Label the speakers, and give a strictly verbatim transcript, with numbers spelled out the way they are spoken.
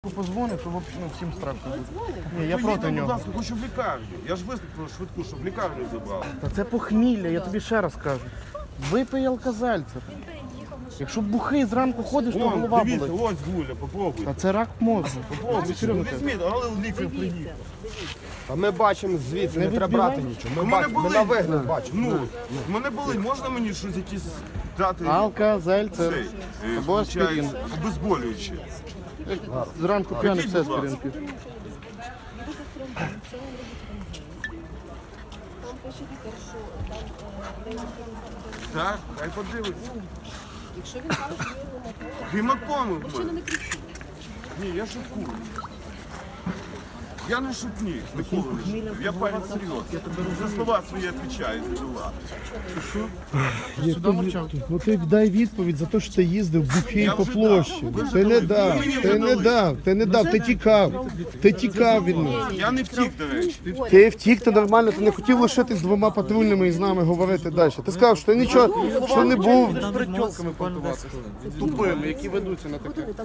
Speaker 1: швидку позвонив, то взагалі ну, всім страшно буде. Ні, я проти
Speaker 2: Поїдемо, будь
Speaker 1: нього.
Speaker 2: ласка, хочу в лікарню. Я ж виступив швидку, щоб в лікарню забрали.
Speaker 1: Та це похмілля, я тобі ще раз кажу. Випий алкозальцер. Якщо бухий зранку ходиш, то
Speaker 2: Вон,
Speaker 1: голова
Speaker 2: дивіться,
Speaker 1: болить.
Speaker 2: ось гуля, попробуйте.
Speaker 1: Та це рак мозку.
Speaker 2: Попробуйте,
Speaker 1: Серйозно кажу.
Speaker 2: візьміть, але лікар приїхав.
Speaker 3: А ми бачимо звідси, не,
Speaker 1: Не
Speaker 3: треба
Speaker 1: відбивай.
Speaker 3: брати нічого. Ми,
Speaker 2: У мене
Speaker 3: бачимо, ми
Speaker 2: болить.
Speaker 3: на вигляд бачимо.
Speaker 2: Ну, в мене болить, можна мені щось якісь дати?
Speaker 1: Алкозальцер.
Speaker 2: Цей, е,
Speaker 1: Або
Speaker 2: виходить,
Speaker 1: аспірин.
Speaker 2: обезболююче.
Speaker 1: Зранку п'яний
Speaker 2: Який,
Speaker 1: все
Speaker 2: будь ласка?
Speaker 1: аспірин п'ю.
Speaker 4: Там пише лікар, що там е, де
Speaker 2: Так, хай подивиться.
Speaker 4: якщо він каже, що є гематома,
Speaker 2: Гематоми в
Speaker 4: причина
Speaker 2: мене.
Speaker 4: не кричить.
Speaker 2: Ні, я шуткую. Я не шутник, ніколи не шутник. Я парень серйозний. За слова свої відповідаю, за дела.
Speaker 1: Сюди мовчав.
Speaker 5: Ну ти дай відповідь за те, що ти їздив бухий
Speaker 2: Я
Speaker 5: по
Speaker 2: вже
Speaker 5: площі.
Speaker 2: дав. Ви вже
Speaker 5: Ти не
Speaker 2: дали.
Speaker 5: дав,
Speaker 2: Ви мені
Speaker 5: ти
Speaker 2: вже
Speaker 5: не
Speaker 2: дали.
Speaker 5: дав, ти не дав, ти тікав. Ти тікав від нас.
Speaker 2: Я не втік, до речі.
Speaker 5: Ти втік, ти нормально, ти не хотів лишитись з двома патрульними і з нами говорити далі. Ти сказав, що ти нічого, що не був.
Speaker 1: З притьолками понтуватися. Тупими, які ведуться на таке.